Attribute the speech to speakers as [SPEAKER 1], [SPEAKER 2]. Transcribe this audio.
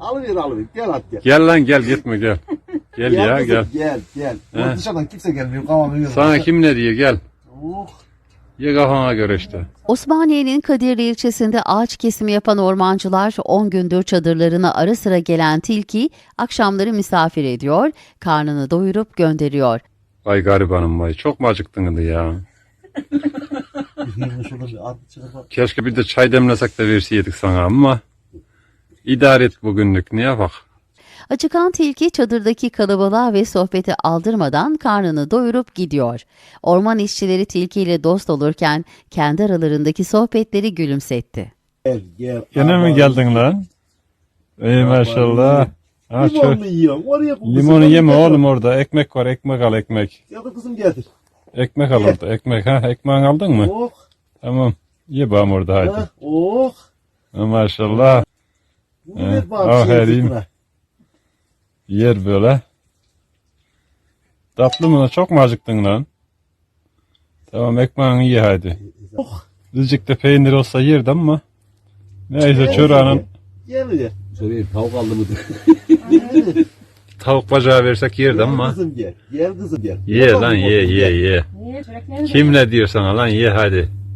[SPEAKER 1] Alıver. Gel at gel.
[SPEAKER 2] Gel lan gel gitme gel. Gel ya
[SPEAKER 1] kızım,
[SPEAKER 2] gel.
[SPEAKER 1] Gel.
[SPEAKER 2] He.
[SPEAKER 1] Dışarıdan kimse gelmiyor. Kavamı yiyor.
[SPEAKER 2] Sana kim ne diyor gel.
[SPEAKER 1] Oh.
[SPEAKER 2] Ye kafana göre işte.
[SPEAKER 3] Osmaniye'nin Kadirli ilçesinde ağaç kesimi yapan ormancılar 10 gündür çadırlarına ara sıra gelen tilki akşamları misafir ediyor, karnını doyurup gönderiyor.
[SPEAKER 2] Vay garibanım vay. Çok mu acıktın ya?
[SPEAKER 1] Şurada bir at çıkıp bak.
[SPEAKER 2] Keşke bir de çay demlesek de verseydik sana ama idare et bugünlük ne yapak?
[SPEAKER 3] Acıkan tilki çadırdaki kalabalığa ve sohbeti aldırmadan karnını doyurup gidiyor. Orman işçileri tilkiyle dost olurken kendi aralarındaki sohbetleri gülümsetti.
[SPEAKER 1] Gel.
[SPEAKER 2] Gene mi geldin lan? Ey maşallah. Ha,
[SPEAKER 1] Limonlu yiyorum. Oraya koy.
[SPEAKER 2] limonu yeme oğlum orada. Ekmek var ekmek al ekmek.
[SPEAKER 1] Ya da kızım getir.
[SPEAKER 2] Ekmek al orada ekmek ha. Ekmeğini aldın mı?
[SPEAKER 1] Oh.
[SPEAKER 2] Tamam. Ye bağım orada haydi.
[SPEAKER 1] Ha, oh.
[SPEAKER 2] Ha, maşallah.
[SPEAKER 1] Bu
[SPEAKER 2] He,
[SPEAKER 1] ne bak
[SPEAKER 2] aferin.
[SPEAKER 1] zeytine.
[SPEAKER 2] Yer böyle. Tatlı mı? Çok mu acıktın lan? Tamam ekmeğini ye hadi.
[SPEAKER 1] Oh.
[SPEAKER 2] Azıcık da peynir olsa yerdi ama. Neyse çorağının
[SPEAKER 1] Gel.
[SPEAKER 4] Şöyle tavuk aldı mı?
[SPEAKER 1] Gel.
[SPEAKER 2] tavuk bacağı versek yerdi ama.
[SPEAKER 1] Kızım gel. Gel kızım gel.
[SPEAKER 2] Ye
[SPEAKER 1] Tamam
[SPEAKER 2] lan
[SPEAKER 1] mı?
[SPEAKER 2] ye.
[SPEAKER 5] Niye? Çörekleri de
[SPEAKER 2] Kim ne diyor sana lan ye hadi.